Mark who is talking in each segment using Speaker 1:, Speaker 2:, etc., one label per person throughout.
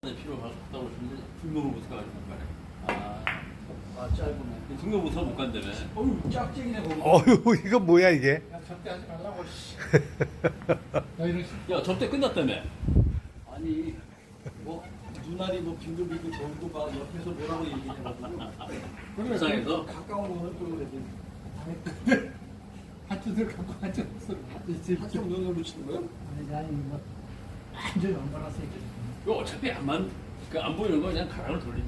Speaker 1: 필요하다고 했는데 등록을 못 해가지고 못 가네.
Speaker 2: 짧으네.
Speaker 1: 등록 못하고 못 간다며.
Speaker 2: 어휴, 짝짝이네, 거기.
Speaker 3: 어휴 이거 뭐야 이게?
Speaker 2: 야, 접대하지 말라고, 씨. 야, 이런 씨.
Speaker 1: 야 접대 끝났다며.
Speaker 2: 아니, 뭐, 눈알이 뭐 빙글빙글 돌고 막 옆에서 뭐라고 얘기해가지고.
Speaker 1: 부산에서?
Speaker 2: 가까운 거는 또 그래도. 한쪽을 갖고 한쪽을 한쪽 눈으로 치는 거야?
Speaker 4: 아니 뭐 완전 엉거라서 이렇게
Speaker 1: 이거 어차피 안 보이는 거 그냥 가랑을 돌리.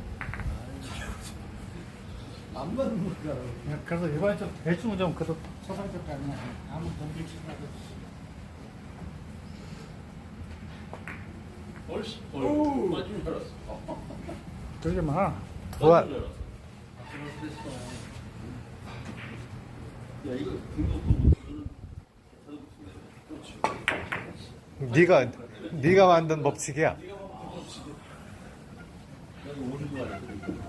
Speaker 2: 안 맞는 거야.
Speaker 4: 그래서 일반적으로 대충 좀 그래도 서상적 가면 아무 덤빌 치라도
Speaker 1: 얼씨.
Speaker 2: 오.
Speaker 1: 맞은 줄 알았어.
Speaker 3: 그러지 마.
Speaker 1: 맞은
Speaker 3: 도와.
Speaker 1: 줄 알았어. 야 이거 등록도 못하면
Speaker 3: 네가 네가 만든 법칙이야.
Speaker 1: 야 이거 오는 거 같아.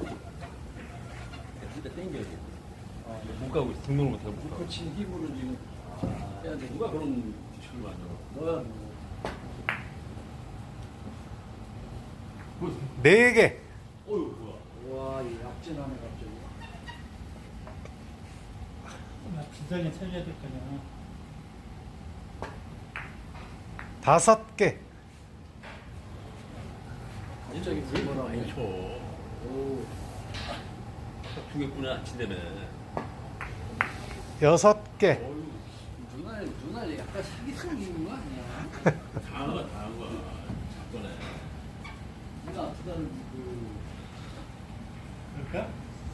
Speaker 1: 진짜 땡겨야 돼. 못 가고 있어. 등록을 못하고 못 가고.
Speaker 2: 그렇지, 힘으로 지금.
Speaker 1: 해야 돼. 누가 그런 규칙을 만들어?
Speaker 2: 너야, 뭐.
Speaker 3: 네 개.
Speaker 1: 어휴 뭐야.
Speaker 2: 와, 이 약진하네, 갑자기.
Speaker 4: 주장에 살려야 될 거냐.
Speaker 3: 5개.
Speaker 1: 갑자기 왜
Speaker 2: 뭐라고?
Speaker 1: 많이 쳐?
Speaker 2: 오.
Speaker 1: 두 개뿐이 안 친다며.
Speaker 3: 6개.
Speaker 1: 어휴,
Speaker 2: 눈알 약간 사기성 있는 거 아니야?
Speaker 1: 당한 거야. 작전에.
Speaker 2: 눈 아프다는
Speaker 4: 그럴까?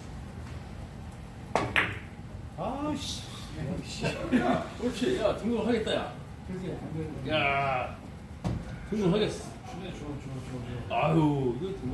Speaker 4: 아씨.
Speaker 1: 야, 그렇지. 야, 등록하겠다, 야.
Speaker 4: 그지 안 그래.
Speaker 1: 야, 등록하겠어.
Speaker 2: 줘.
Speaker 1: 아유, 이거